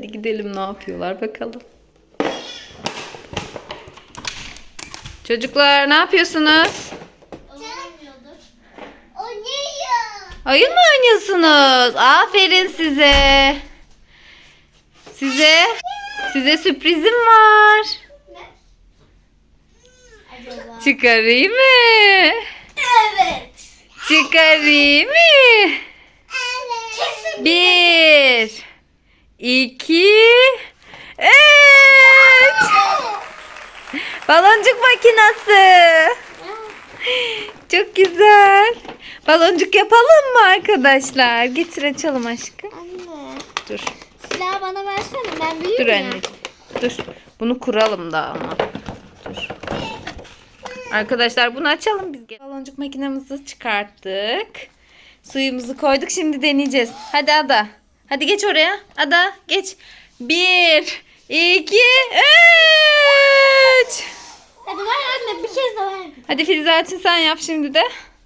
Hadi gidelim, ne yapıyorlar bakalım. Çocuklar ne yapıyorsunuz? Oyun mu oynuyorsunuz? Aferin size. Size sürprizim var. Acaba? Çıkarayım mı? Evet. Çıkarayım mı? Kesin. 1 2 3 Baloncuk makinesi. Çok güzel. Baloncuk yapalım mı arkadaşlar? Getir açalım aşkım. Anne. Dur. Silahı bana versene. Ben büyüğüm Dur ya. anneciğim. Dur. Bunu kuralım da ama. Dur. Arkadaşlar bunu açalım biz. Baloncuk makinemizi çıkarttık. Suyumuzu koyduk. Şimdi deneyeceğiz. Hadi Ada. Hadi geç oraya. Ada geç. 1 2 3 Hadi ver anne, bir kez daha ver. Hadi Filizaç'ın sen yap şimdi de.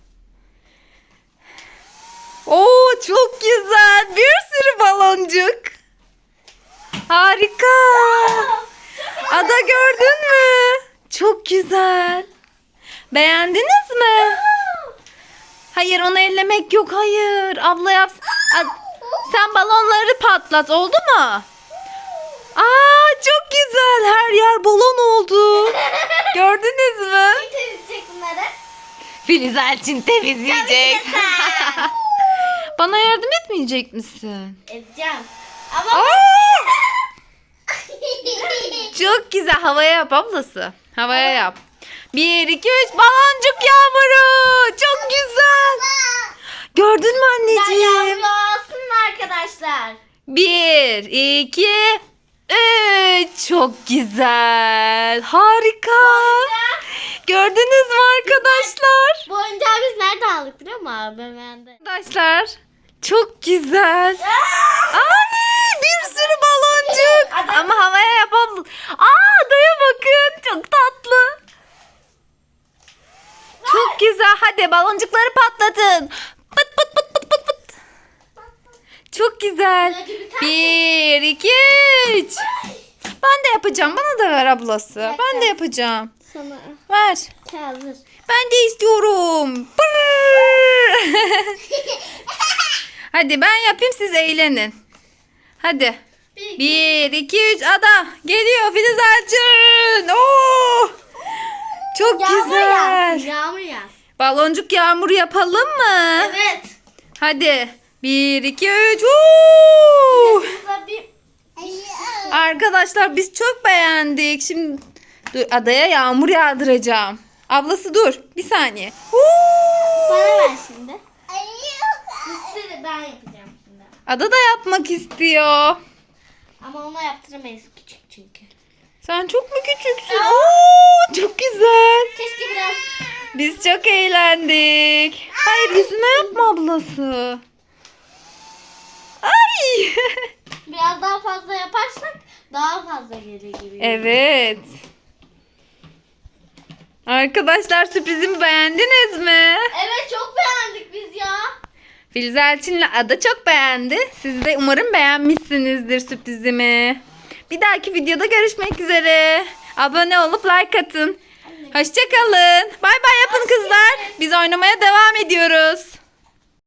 Oo, çok güzel. Bir sürü baloncuk. Harika. Ada gördün mü? Çok güzel. Beğendiniz mi? Hayır, onu ellemek yok. Hayır. Abla yapsın. Sen balonları patlat. Oldu mu? Aa, çok güzel. Her yer balon oldu. Gördünüz mü? Kim temizleyecek bunları? Filiz Elçin temizleyecek. Bana yardım etmeyecek misin? Edeceğim. Ama Aa! Çok güzel. Havaya yap ablası. Havaya yap. 1 2 3 baloncuk yağmuru. Çok güzel. Gördün mü anneciğim? yağmur olsun mu arkadaşlar? 1 2 3 çok güzel. Harika. Gördünüz mü arkadaşlar? Bu oyuncağı biz nerede aldık biliyor musun abi? Bende. Arkadaşlar çok güzel. Ay, bir sürü baloncuk. Ama havaya yapalım. Adaya bakın. Çok tatlı. Çok güzel. Hadi baloncukları patlatın. Pıt pıt pıt pıt pıt pıt. Çok güzel. 1 2 3 Ben de yapacağım. Bana da ver ablası. Ben de yapacağım. Sana Ver. hazır. Ben de istiyorum. Pırr. Hadi ben yapayım, siz eğlenin. Hadi. 1 2 3 Ada geliyor Filiz Elçin. Oo! Çok Yağmur güzel. yağsın. Yağmur yağsın. Baloncuk yağmuru yapalım mı? Evet. Hadi. 1 2 3 Burada bir Arkadaşlar biz çok beğendik. Şimdi dur, Adaya yağmur yağdıracağım. Ablası dur. Bir saniye. bana ver şimdi. Üstüne ben yapacağım şimdi. Ada da yapmak istiyor. Ama ona yaptıramayız, küçük çünkü. Sen çok mu küçüksün? Oo, çok güzel. Keşke biraz Biz çok eğlendik. Hayır, yüzüne yapma ablası. Ay. biraz daha fazla yaparsak daha fazla gelir gibi. Evet. Arkadaşlar sürprizimi beğendiniz mi? Evet, çok beğendik biz ya. Filiz Elçin'le Ada çok beğendi. Siz de umarım beğenmişsinizdir sürprizimi. Bir dahaki videoda görüşmek üzere. Abone olup like atın. Hoşça kalın. Bay bay yapın kızlar. Biz oynamaya devam ediyoruz.